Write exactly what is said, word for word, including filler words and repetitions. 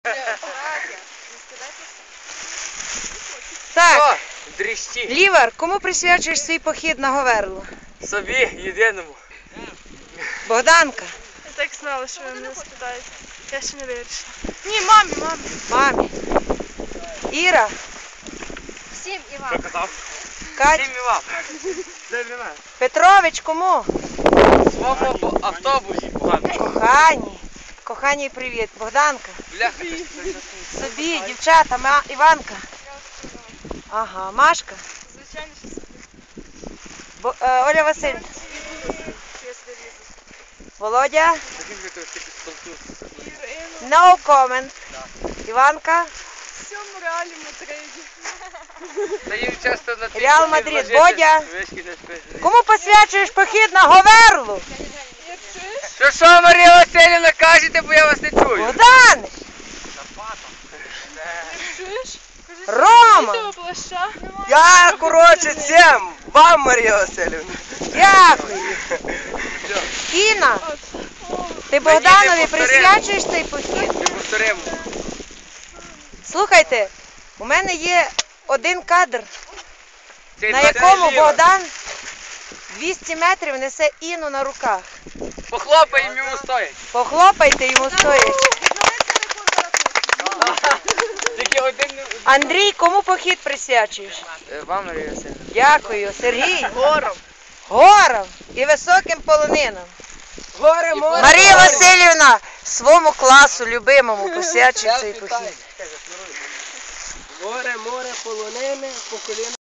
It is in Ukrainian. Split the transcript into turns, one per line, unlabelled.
Так,
Дріщі.
Лівар, кому присвячуєш свій похід на Говерло?
Собі, єдиному.
Богданка.
Я так знала, що ви мене спитаєте. Я ще не вирішила. Ні, мамі, мамі.
Мамі. Іра.
Всім і вам.
Що казав?
Кать.
Всім і вам. Це для мене.
Петрович, кому?
Своєму автобусі погано.
Кохані. Кохані, привіт. Богданка.
Бляха.
Собі, дівчата, ма... Іванка. Ага, Машка.
Звичайно, що собі.
Бо... е, Оля Васильівна.
Я собі візу.
Володя.
Ірину.
No comment. Іванка.
В цьому реалі Мадриді.
Та їм часто на тих
Реал
похід
Мадрид.
ложити,
Бодя.
вишки не спиш.
Кому посвячуєш похід на Говерлу?
Я чуєш?
Що що, Марія Васильівна, кажете, бо я вас не чую.
Богдан.
Чуєш?
Рома.
Того плаща.
Я, коротше, цим, вам, Марія Васильівна.
Дякую. Інна. Ти Богданові
повторимо.
присвячуєш цей похід?
Не повторимо.
Слухайте, у мене є один кадр,
Цей
на
двадцять
якому
ліва.
Богдан двісті метрів несе Інну на руках.
Похлопаємо йому стоять.
Похлопайте йому стоячи.
Тільки один...
Андрій, кому похід присвячуєш?
Вам, Марія Васильівна.
Дякую. Сергій.
Гором.
Горам і високим полонинам.
Горе, море.
Марія Васильівна своєму класу любимому посвячує цей похід.
Горе, море, полонини, по коліна.